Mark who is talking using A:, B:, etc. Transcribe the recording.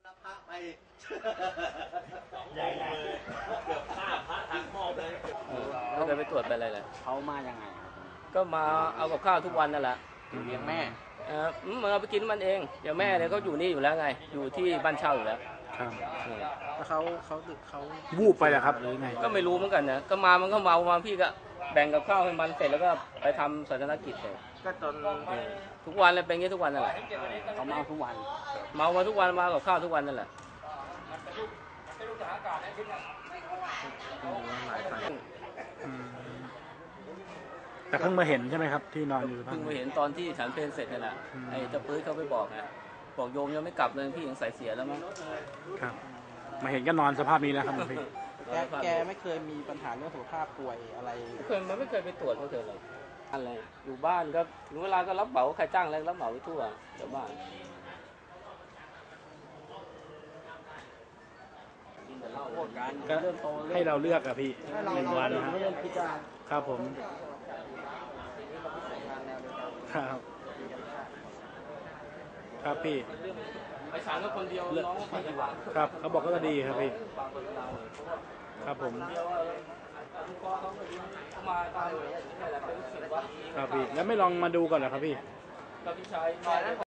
A: รับพระไป
B: ใหญ่เลยเกือบฆ่าพระทางมอบเลย
C: ไม่เคยไปตรวจไปอะไรเลย
A: เขามายังไง
C: ก็มาเอากับข้าวทุกวันนั่นแหละ
A: เลี้ยงแม่
C: มันเอาไปกินมันเองเดี๋ยวแม่เนี่ยเขาอยู่นี่อยู่แล้วไงอยู่ที่บ้านเช่าอยู่แล้ว
D: ครับ
A: แล้วเขา
D: วูบไปเหรอครับหรือไง
C: ก็ไม่รู้เหมือนกันนะก็มามันก็เมามาพี่ก็แบ่งกับข้าวให้มันเสร็จแล้วก็ไปทำศาสนกิจเลย
A: ก็จน
C: ทุกวันเลยเป็นอย่างนี้ทุกวันนั่นแหละ
A: เขาเมาทุกวัน
C: เมามาทุกวันมากับข้าวทุกวันนั่นแหละ
D: แต่เพิ่งมาเห็นใช่ไหมครับที่นอนอยู่
C: เพิ่งมาเห็นตอนที่ฉันเพลเสร็จนี่แหละไอ้เจ้าปื้ดเขาไปบอกนะบอกโยมยังไม่กลับเลยพี่ยังใส่เสียแล้วมั้ง
D: ครับมาเห็นก็นอนสภาพนี้แล้วครับพี่
A: แกไม่เคยมีปัญหาเรื่องสุขภาพป่วยอะไร
C: มันไม่เคยไปตรวจไม่เคยเลยอะไรอยู่บ้านก็ถึงเวลาก็รับเหมาใครจ้างอะไรรับเหมาไปทั่วแถวบ้าน
D: ก็ให้เราเลือกอะพี่1 วันนะครับผมครับครับพี่
C: ไปศาลก็คนเดียวน้องก็ไปบ้าน
D: ครับเขาบอกก็ดีครับพี่ครับผมครับพี่แล้วไม่ลองมาดูก่อนเหรอครับพี่
C: ก็พี่ชาย